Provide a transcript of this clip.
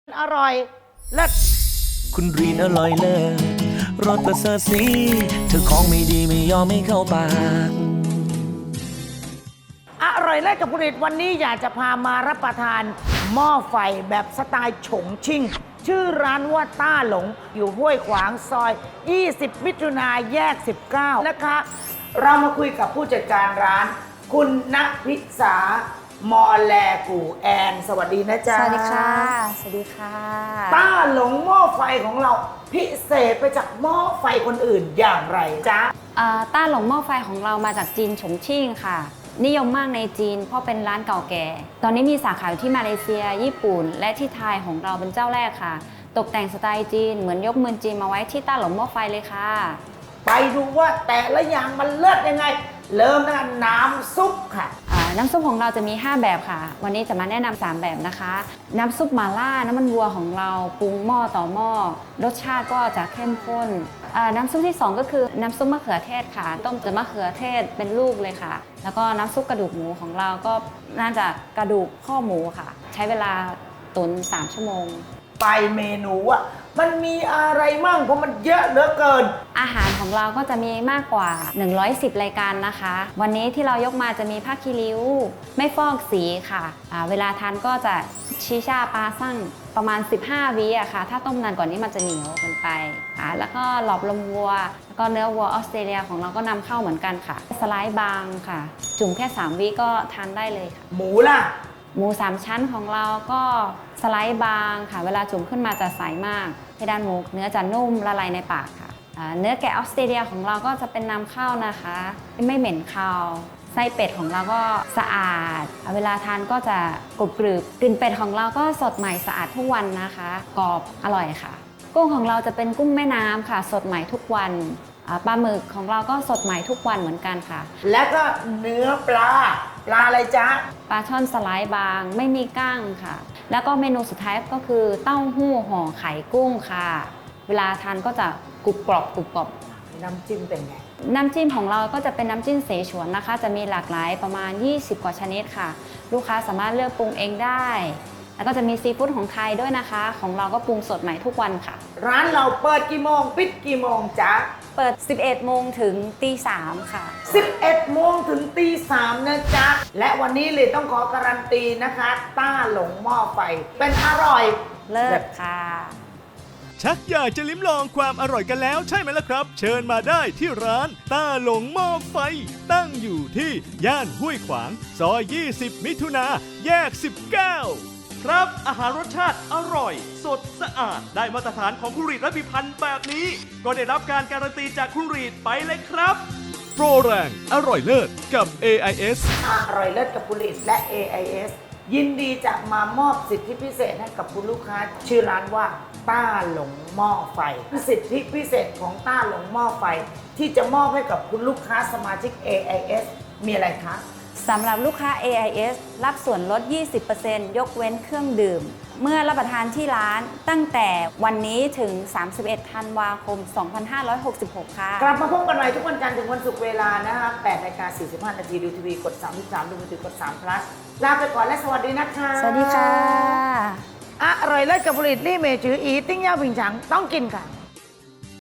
อร่อยเลิศคุณรีนอร่อยเลิศรสประเสริฐสีเธอของไม่ดีไม่ยอมไม่เข้าปากอร่อยเลิศกับคุณฤทธิ์วันนี้อยากจะพามารับประทานหม้อไฟแบบสไตล์ฉงชิ่งชื่อร้านว่าต้าหลงอยู่ห้วยขวางซอย 20 มิถุนายนแยก 19 นะคะ เรามาคุยกับผู้จัดการร้าน คุณณพิษามอแลกูแอน สวัสดีนะจ๊ะสวัสดีค่ะ สวัสดีค่ะต้าหลงหม้อไฟของเราพิเศษไปจากหม้อไฟคนอื่นอย่างไรจ๊ะต้าหลงหม้อไฟของเรามาจากจีนฉงชิ่งค่ะ นิยมมากในจีนเพราะเป็นร้านเก่าแก่ ตอนนี้มีสาขาอยู่ที่มาเลเซีย ญี่ปุ่น และที่ไทยของเราเป็นเจ้าแรกค่ะ ตกแต่งสไตล์จีนเหมือนยกเมืองจีนมาไว้ที่ต้าหลงหม้อไฟเลยค่ะไปดูว่าแต่ละอย่างมันเลิศยังไง เริ่มตั้งแต่น้ำซุปค่ะน้ำซุปของเราจะมี 5 แบบค่ะ วันนี้จะมาแนะนำ3แบบนะคะ น้ำซุปหม่าล่าน้ำมันวัวของเราปรุงหม้อต่อหม้อ รสชาติก็จะเข้มข้น น้ำซุปที่ 2 ก็คือน้ำซุปมะเขือเทศค่ะ ต้มจากมะเขือเทศเป็นลูกเลยค่ะ แล้วก็น้ำซุปกระดูกหมูของเราก็น่าจะกระดูกข้อหมูค่ะ ใช้เวลาตุ๋น3 ชั่วโมงไปเมนูอ่ะมันมีอะไรมั่งเพราะมันเยอะเหลือเกินอาหารของเราก็จะมีมากกว่า 110 รายการนะคะ วันนี้ที่เรายกมาจะมีผ้าคีริ้ว ไม่ฟอกสีค่ะ เวลาทานก็จะชีชาปลาสั่งประมาณ 15 วิอะค่ะ ถ้าต้มนานกว่านี้มันจะเหนียวเกินไปแล้วก็หลอบลมวัว แล้วก็เนื้อวัวออสเตรเลียของเราก็นำเข้าเหมือนกันค่ะ สไลด์บางค่ะ จุ่มแค่ 3 วิก็ทานได้เลยค่ะหมูล่ะหมู3ชั้นของเราก็สไลด์บางค่ะ เวลาจุ่มขึ้นมาจะใสมากเพดานหมูเนื้อจะนุ่มละลายในปากค่ะเนื้อแกะออสเตรเลียของเราก็จะเป็นนำเข้านะคะไม่เหม็นคาวไส้เป็ดของเราก็สะอาดเวลาทานก็จะกรุบกรึบกลิ่นเป็ดของเราก็สดใหม่สะอาดทุกวันนะคะกรอบอร่อยค่ะกุ้งของเราจะเป็นกุ้งแม่น้ำค่ะสดใหม่ทุกวันปลาหมึกของเราก็สดใหม่ทุกวันเหมือนกันค่ะแล้วก็เนื้อปลาอะไรจ๊ะปลาช่อนสไลด์บางไม่มีก้างค่ะแล้วก็เมนูสุดท้ายก็คือเต้าหู้ห่อไข่กุ้งค่ะเวลาทานก็จะกรุบกรอบกรุบกรอบน้ำจิ้มเป็นไงน้ำจิ้มของเราก็จะเป็นน้ำจิ้มเสฉวนนะคะจะมีหลากหลายประมาณ20 กว่าชนิดค่ะลูกค้าสามารถเลือกปรุงเองได้แล้วก็จะมีซีฟู้ดของไทยด้วยนะคะของเราก็ปรุงสดใหม่ทุกวันค่ะร้านเราเปิดกี่โมงปิดกี่โมงจ๊ะเปิด 11 โมงถึงตี 3 ค่ะ 11 โมงถึงตี 3นะจ๊ะและวันนี้เลยต้องขอการันตีนะคะต้าหลงหม้อไฟเป็นอร่อยเลิศค่ะชักอยากจะลิ้มลองความอร่อยกันแล้วใช่ไหมล่ะครับ เชิญมาได้ที่ร้านต้าหลงหม้อไฟ ตั้งอยู่ที่ย่านห้วยขวางซอย 20 มิถุนาแยก 19 ครับอาหารรสชาติอร่อย สดสะอาดได้มาตรฐานของคุณรีดและพิพันธ์แบบนี้ ก็ได้รับการการันตีจากคุณรีดไปเลยครับ โปรแรงอร่อยเลิศกับ AIS อร่อยเลิศกับผลิตและ AIS ยินดีจะมามอบสิทธิพิเศษให้กับคุณลูกค้าชื่อร้านว่าต้าหลงหม้อไฟสิทธิพิเศษของต้าหลงหม้อไฟที่จะมอบให้กับคุณลูกค้าสมาชิก AIS มีอะไรคะสำหรับลูกค้า AIS รับส่วนลด 20% ยกเว้นเครื่องดื่ม เมื่อรับประทานที่ร้านตั้งแต่วันนี้ถึง 31 ธันวาคม 2566 ค่ะกลับมาพบกันใหม่ทุกวันจันทร์ถึงวันศุกร์เวลานะคะ8:45 น.ดูทีวีกด 33 ดูมือถือกด3 plus ลาไปก่อนและสวัสดีนะคะสวัสดีค่ะอร่อยเลิศกับผลิตลี่เมจืออีติ้งเย่าผิงฉังต้องกินค่ะ